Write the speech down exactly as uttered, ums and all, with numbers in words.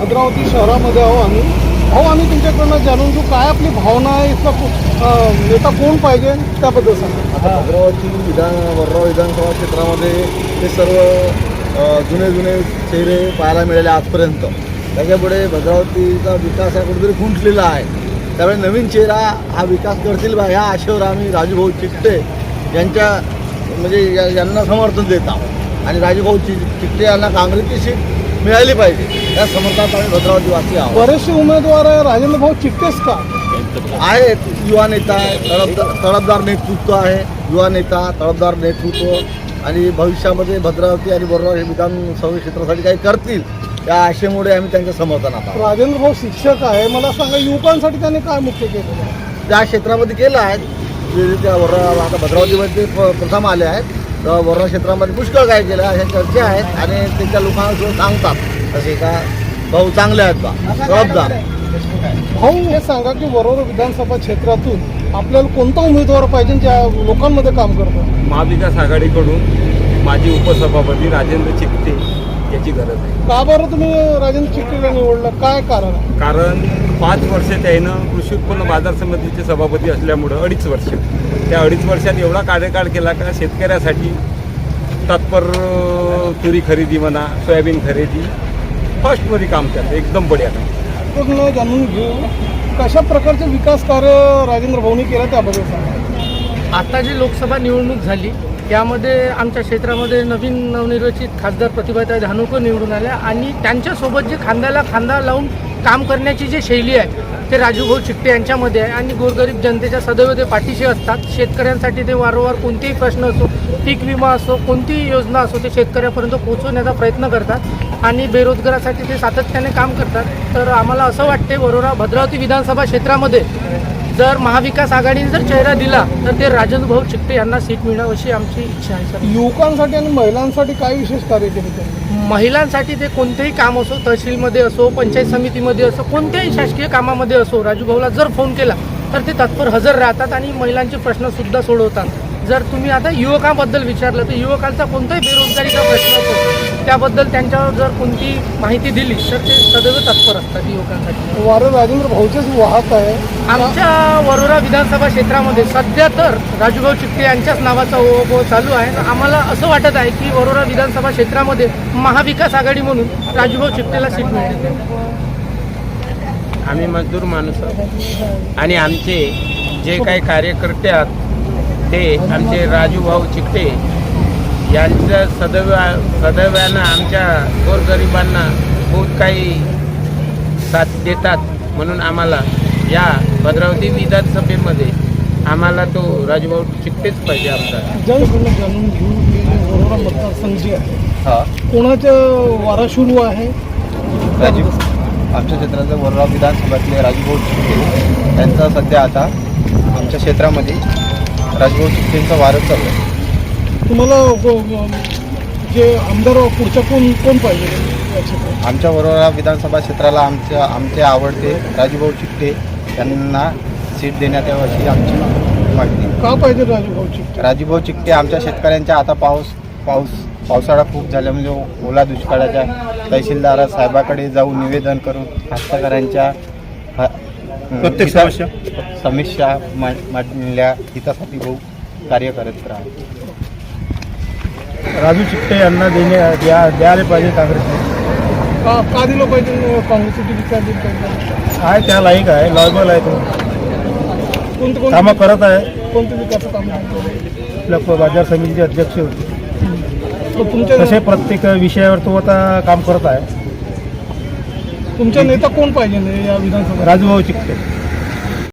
भद्रावती शहरामध्ये आहो आम्ही. भाऊ, आम्ही तुमच्याकडनं जाणून घेऊ काय आपली भावना आहे, इथला को- नेता कोण पाहिजे त्याबद्दल सांगा. आता भद्रावती विधान वर्धा विधानसभा क्षेत्रामध्ये ते सर्व अ, जुने जुने चेहरे पाहायला मिळाले आजपर्यंत. त्याच्यापुढे भद्रावतीचा विकास हा कुठेतरी खुंटलेला आहे. त्यामुळे नवीन चेहरा हा विकास करतील बा ह्या आशेवर आम्ही राजूभाऊ चिकटे यांच्या म्हणजे या- यांना समर्थन देत आहोत. आणि राजूभाऊ चि चिकटे यांना काँग्रेसची सीट मिळाली पाहिजे या समर्थनात आम्ही भद्रावतीवासी आहोत. बरेचसे उमेदवार आहे, राजेंद्र भाऊ चिकटेच का आहेत, युवा नेता आहे, तडफदार तडफदार नेतृत्व आहे, युवा नेता तडफदार नेतृत्व आणि भविष्यामध्ये भद्रावती आणि बरोबर हे विधानसभा क्षेत्रासाठी काही करतील या आशेमुळे आम्ही त्यांच्या समर्थनात आहोत. राजेंद्र भाऊ शिक्षक आहे, मला सांगा युवकांसाठी त्यांनी काय मुख्य केलं. त्या क्षेत्रामध्ये केलं आहे जे त्या वर्धा आता भद्रावतीमध्ये ते प- प्रथम आले आहेत. तर वर्धा क्षेत्रामध्ये पुष्कळ काय केलं अशा चर्चा आहेत आणि त्यांच्या लोकांना सुद्धा सांगतात असे का भाऊ चांगले आहेत बा जबाबदार. भाऊ, हे सांगा की वरोरा विधानसभा क्षेत्रातून आपल्याला कोणता उमेदवार पाहिजे ज्या लोकांमध्ये काम करतो. महाविकास आघाडीकडून माजी उपसभापती राजेंद्र चिकटे याची गरज आहे. का बरं तुम्ही राजेंद्र चिकटेला निवडलं, काय कारण आहे. कारण पाच वर्ष त्यानं कृषी उत्पन्न बाजार समितीचे सभापती असल्यामुळं अडीच वर्ष त्या अडीच वर्षात एवढा कार्यकाळ केला का शेतकऱ्यासाठी तत्पर तुरी खरेदी म्हणा, सोयाबीन खरेदी फर्स्टमध्ये काम करते, एकदम बढिया काम. पूर्ण जाणून घेऊ कशा प्रकारचे विकास कार्य राजेंद्र भाऊनी केलं त्याबद्दल सांगा. आता जी लोकसभा निवडणूक झाली त्यामध्ये आमच्या क्षेत्रामध्ये नवीन नवनिर्वाचित खासदार प्रतिभाताई धानोकर निवडून आल्या आणि त्यांच्यासोबत जे खांद्याला खांदा लावून काम करण्याची जी शैली आहे ते राजूभाऊ चिकटे यांच्यामध्ये आहे. आणि गोरगरीब जनतेच्या सदैव ते पाठीशी असतात. शेतकऱ्यांसाठी ते वारंवार कोणतेही प्रश्न असो, पीक विमा असो, कोणतीही योजना असो ते शेतकऱ्यापर्यंत पोहोचवण्याचा प्रयत्न करतात आणि बेरोजगारासाठी ते सातत्याने काम करतात. तर आम्हाला असं वाटते वरोरा भद्रावती विधानसभा क्षेत्रामध्ये जर महाविकास आघाडीने जर चेहरा दिला तर ते राजेंद्र भाऊ चिकटे यांना सीट मिळावं अशी आमची इच्छा आहे. सर, युवकांसाठी आणि महिलांसाठी काय विशेष कार्य केले त्यांनी. महिलांसाठी ते कोणतेही काम असो, तहसीलमध्ये असो, पंचायत समितीमध्ये असो, कोणत्याही शासकीय कामामध्ये असो, राजूभाऊला जर फोन केला तर ते तत्पर हजर राहतात आणि महिलांचे प्रश्नसुद्धा सोडवतात. जर तुम्ही आता युवकांबद्दल विचारलं तर युवकांचा कोणताही बेरोजगारीचा प्रश्न असो त्याबद्दल त्यांच्यावर जर कोणती माहिती दिली तर ते सदैव तत्पर असतात युवकांसाठी. वारं राजेंद्र भाऊचेच वाहक आहे. आमच्या वरोरा विधानसभा क्षेत्रामध्ये सध्या तर राजूभाऊ चिकटे यांच्याच नावाचा ओघ चालू आहे. आम्हाला असं वाटत आहे की वरोरा विधानसभा क्षेत्रामध्ये महाविकास आघाडी म्हणून राजूभाऊ चिकटेला सीट मिळते. आम्ही मजदूर माणूस आहोत आणि आमचे जे काही कार्यकर्ते आहेत ते आमचे राजूभाऊ चिकटे यांचं सदैव सदैव्यानं आमच्या गोरगरिबांना खूप काही साथ देतात. म्हणून आम्हाला या भद्रावती विधानसभेमध्ये आम्हाला तो राजूभाऊ चिकटेच पाहिजे आमचा. जनकडून जाणून घेऊ की वरोरा मतदारसंघ जे आहे हा कोणाचं वारा सुरू आहे. राजीव आमच्या क्षेत्राचं वर्धा विधानसभेतले राजूभाऊ चिकटे यांचा सध्या आता आमच्या क्षेत्रामध्ये राजूभाऊ चिकटेंचा वारच चालू आहे. तुम्हाला व- जे आमदार पुढच्या कोण कोण पाहिजे याच्याकडे. आमच्या वरोरा विधानसभा क्षेत्राला आमच्या आमचे आवडते राजूभाऊ चिकटे यांना सीट देण्यात यावी अशी आमची मागणी. का पाहिजे राजूभाऊ चिकटे. राजूभाऊ चिकटे आमच्या शेतकऱ्यांच्या आता पाऊस पाऊस पावसाळा खूप झाला म्हणजे ओला दुष्काळाच्या तहसीलदार साहेबाकडे जाऊन निवेदन करून कास्तकऱ्यांच्या प्रत्येक समस्या समस्या मांडल्या हितासाठी भाऊ कार्य करत राहतो. राजू चिकटे यांना देणे द्या द्यायला पाहिजे काँग्रेसने. का का दिलं पाहिजे काँग्रेससाठी विचार दिला पाहिजे. आहे त्या लायक आहे, लॉयबल आहे, तो कोणते कोणते कामं करत आहे. कोणते विकास काम आपल्या बाजार समितीचे अध्यक्ष होते तुमच्या तसे प्रत्येक विषयावर तो आता काम करत आहे. तुमचा नेता कोण पाहिजे या विधानसभा. राजूभाऊ चिकटे.